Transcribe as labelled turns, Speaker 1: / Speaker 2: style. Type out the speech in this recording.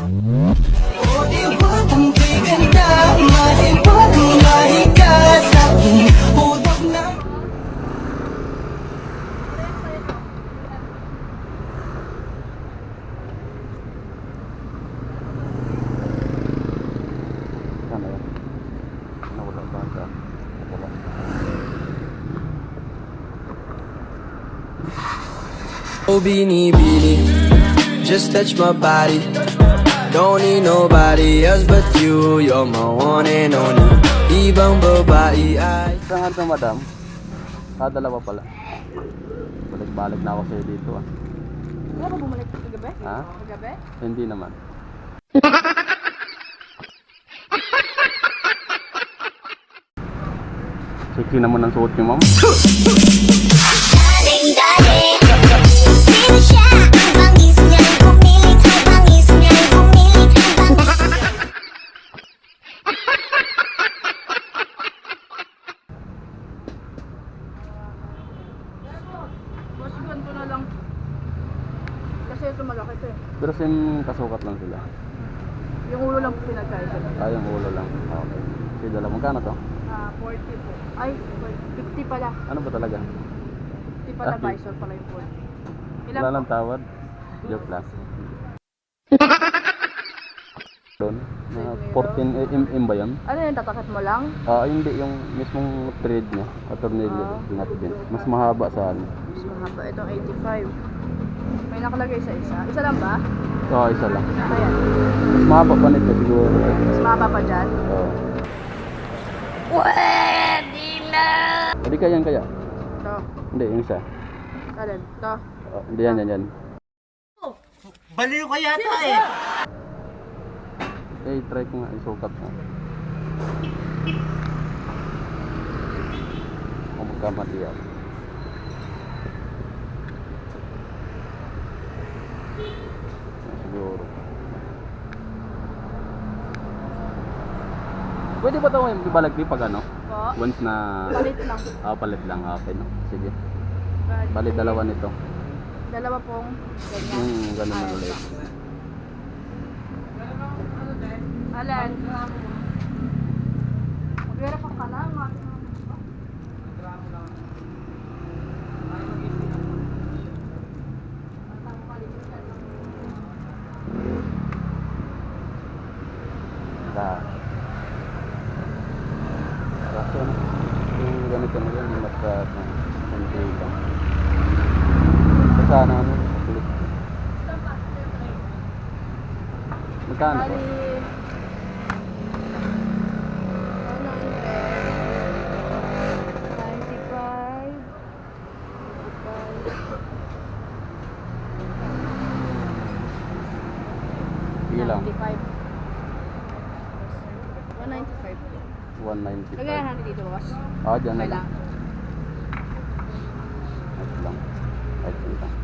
Speaker 1: O di ba kung kay ganda, mahiwag mahiga sa aking utak na.
Speaker 2: Sana yan. Nawala ba sa? Wala.
Speaker 1: Oh, Beanie, just touch my body. Don't need nobody else but you. You're my one and only. Ibang babae ay.
Speaker 2: Saan ka madam? Dalawa pala. Balik-balik na ako sa'yo dito ah.
Speaker 3: Wala ba bumalik kagabi?
Speaker 2: Ha?
Speaker 3: Kagabi?
Speaker 2: Hindi naman. Sexy naman ang suot niyo, ma'am.
Speaker 4: Daling dali, sino siya? Ang bangis niya'y pumilit, ang bangis niya'y pumilit, ang bangis.
Speaker 3: Boss, ganito na lang. Kasi ito malaki ito eh.
Speaker 2: Pero same kasukat lang sila.
Speaker 3: Yung ulo lang pinagkaisa.
Speaker 2: Yung ulo lang. Okay. Sige, dala. Magkano to?
Speaker 3: 40 po. Ay, 50 pala.
Speaker 2: Ano ba talaga?
Speaker 3: 50 pala,
Speaker 2: Okay.
Speaker 3: visor pala yung 40. Ilan
Speaker 2: Wala
Speaker 3: po?
Speaker 2: lang tawad. Joke lang. Doon. 14 mm ba yun?
Speaker 3: Ano yun, tatakit mo lang?
Speaker 2: Hindi. Yung mismong thread niya. Tornilyo. Pinat din. Mas mahaba sa ano.
Speaker 3: Mas mahaba. Itong 85. May nakalagay sa isa. Isa lang ba?
Speaker 2: Isa lang.
Speaker 3: Ayan.
Speaker 2: Mas mahaba pa nito siguro.
Speaker 3: Mas mahaba pa dyan.
Speaker 4: Pwede na!
Speaker 2: Hindi ka yan kaya?
Speaker 3: Ito.
Speaker 2: Hindi, yung isa.
Speaker 3: Alin? Ito.
Speaker 2: Hindi yan.
Speaker 1: Baliw ka yata eh.
Speaker 2: Try ko nga. Isukat nga. Kung magkamali yan. Siguro. Pwede ba ito yung ibalagdi pag ano?
Speaker 3: Po.
Speaker 2: Once na...
Speaker 3: Palit lang.
Speaker 2: Palit lang. Okay, no? Sige.
Speaker 3: Palit.
Speaker 2: Palit dalawa nito.
Speaker 3: Dalawa pong ganyan.
Speaker 2: Ganun na ulit.
Speaker 3: Alin? Mag-verify ka na.
Speaker 2: Kaso ano? Yung ganito mo yan, yung mata konti lang. Sana ano? Kulit. Magkano po? Ilang?
Speaker 3: 195.
Speaker 2: 195.
Speaker 3: Kagayahan dito, boss.
Speaker 2: Dyan na lang.
Speaker 3: Kailang.
Speaker 2: Ito lang. Ito lang.